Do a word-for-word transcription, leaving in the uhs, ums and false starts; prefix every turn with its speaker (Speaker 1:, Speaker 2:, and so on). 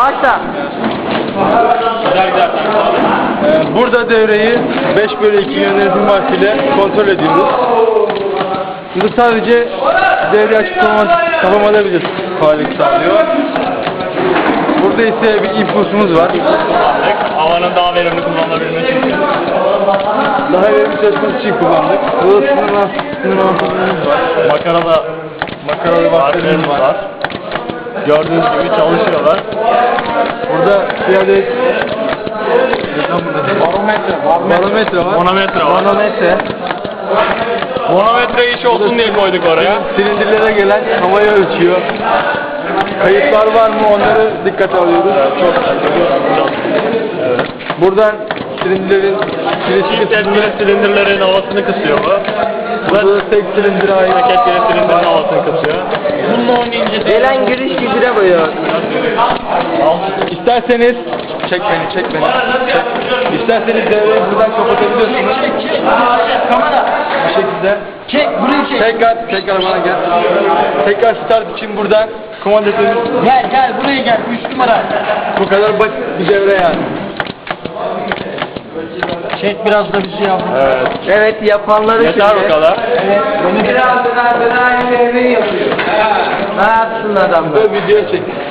Speaker 1: Başla.
Speaker 2: Ee, burada devreyi beş bölü iki yönetim vaktiyle kontrol ediyoruz. Bu sadece devre açık kapamada bir faaliyet sağlıyor. Burada ise bir impulsumuz var.
Speaker 3: Havanın daha verimli kullanılabilmesi için.
Speaker 2: Daha verimli çalışması için kullandık. Burada sınırlan, sınırlanmamız var.
Speaker 3: Makarada
Speaker 2: Makaralı bakterimiz var.
Speaker 3: var. Gördüğünüz gibi çalışıyorlar.
Speaker 2: Burada bir adet barometre, barometre var.
Speaker 3: Manometre var.
Speaker 2: Manometre.
Speaker 3: Manometre iş olsun diye koyduk oraya.
Speaker 2: Silindirlere gelen havayı ölçüyor. Kayıplar var mı onları dikkate alıyoruz.
Speaker 3: Çok evet.
Speaker 2: Buradan silindirlerin
Speaker 3: Çift etkili silindirlerin havasını kısıyor bu.
Speaker 2: burada da tek silindire ait.
Speaker 3: Tek etkili silindirin havasını kısıyor. Bununla oynayınca
Speaker 1: Gelen giriş gücüne boyuyor.
Speaker 2: İsterseniz çek beni, çek beni. Çek. İsterseniz devreyi buradan kapatabiliyorsunuz.
Speaker 1: Kamera.
Speaker 2: Bu şekilde.
Speaker 1: Çek, burayı çek.
Speaker 2: Tekrar, tekrar bana gel. Tekrar start için buradan komandasörümüz.
Speaker 1: Gel gel buraya gel. Üç numara.
Speaker 2: Bu kadar basit bir devre yani.
Speaker 1: Çek biraz da bizi yavrum.
Speaker 3: Evet.
Speaker 1: Evet yapanları
Speaker 3: Yeter
Speaker 1: şimdi.
Speaker 3: bu kadar.
Speaker 1: Evet. Bunu biraz daha daha aynı devreyi yapıyor. Ne yapsın adamlar?
Speaker 2: Böyle video çek.